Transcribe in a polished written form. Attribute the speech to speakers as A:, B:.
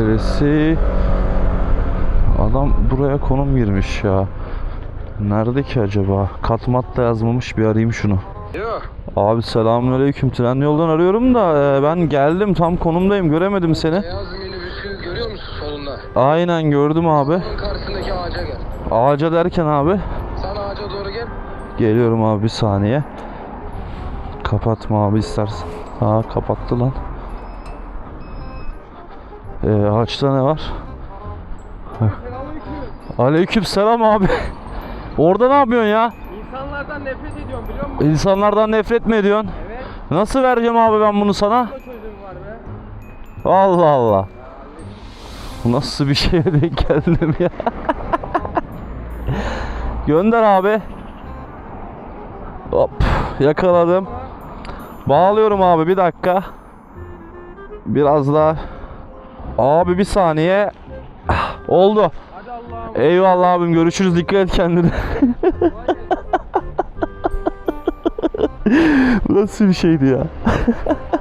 A: neresi? Adam buraya konum girmiş ya. Nerede ki acaba? Katmat da yazmamış, bir arayayım şunu.
B: Yok.
A: Abi selamünaleyküm. Tren yoldan arıyorum da ben geldim, tam konumdayım, göremedim seni.
B: Beyaz minibüsü görüyor musun solunda?
A: Aynen gördüm abi.
B: Onun karşısındaki ağaca gel.
A: Ağaca derken abi?
B: Sen ağaca doğru gel.
A: Geliyorum abi, bir saniye. Kapatma abi istersen. Ha, kapattı lan. Ağaçta ne var? Aleyküm selam abi. Orada ne yapıyorsun ya?
B: İnsanlardan nefret ediyorum biliyor musun?
A: İnsanlardan nefret mi ediyorsun?
B: Evet.
A: Nasıl vereceğim abi ben bunu sana?
B: Çözüm var be.
A: Allah Allah. Bu nasıl bir şeye denk geldim ya? Gönder abi. Hop, yakaladım. Bağlıyorum abi, bir dakika. Biraz daha. Abi bir saniye. Oldu.
B: Hadi Allah'ım.
A: Eyvallah abim, görüşürüz, dikkat et kendine. Bu nasıl bir şeydi ya?